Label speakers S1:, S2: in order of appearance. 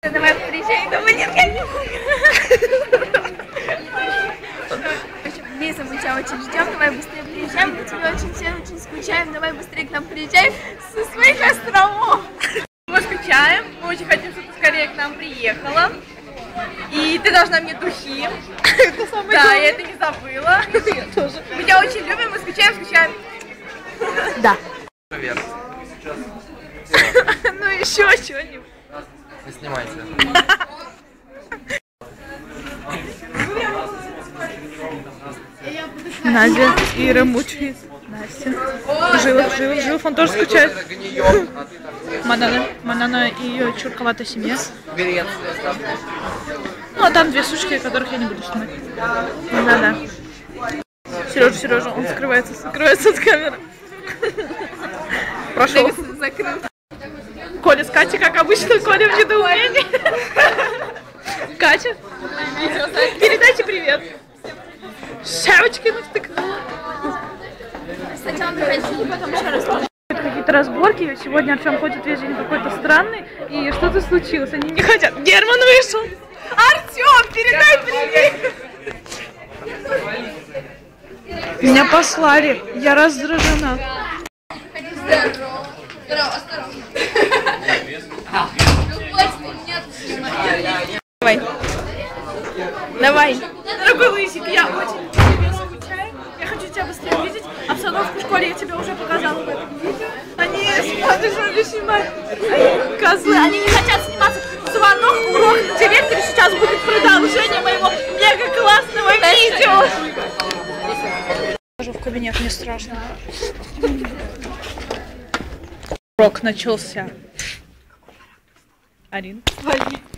S1: Давай приезжай, да нет, я не могу. Лиза, мы тебя очень ждем, давай быстрее приезжаем, мы тебя очень все очень скучаем, давай быстрее к нам приезжай со своих островов.
S2: Мы скучаем, мы очень хотим, чтобы ты скорее к нам приехала. И ты должна мне духи. Да, я это не забыла. Я тоже. Мы тебя очень любим, мы скучаем.
S1: Да.
S3: Привет.
S2: Ну еще что-нибудь.
S3: Не снимайте.
S2: Надя, Ира мучает. Настя. Жив, он тоже скучает. Манана и ее чурковатая семья. Ну а там две сучки, которых я не буду снимать. Да. Сережа, он скрывается от камеры. Прошел. Коля с Катей, как обычно, Коля в недоумении. Катя, передайте привет. Шапочки навтыкнула.
S1: Сначала приходи, потом еще раз.
S2: Какие-то разборки. Сегодня Артем ходит весь день какой-то странный. И что-то случилось. Они не хотят. Герман вышел. Артем, передай привет. Меня послали. Я раздражена.
S1: Здорово, осторожно.
S2: Давай. Дорогой Лысик, я очень тебе скучаю. Я хочу тебя быстрее увидеть. Обстановку в школе я тебе уже показала в этом видео. Они смотрят, снимать. Козлы, они не хотят сниматься. Звонок, урок, директор сейчас будет продолжение моего мега классного видео. Хожу в кабинет, мне страшно. Урок начался. Арин.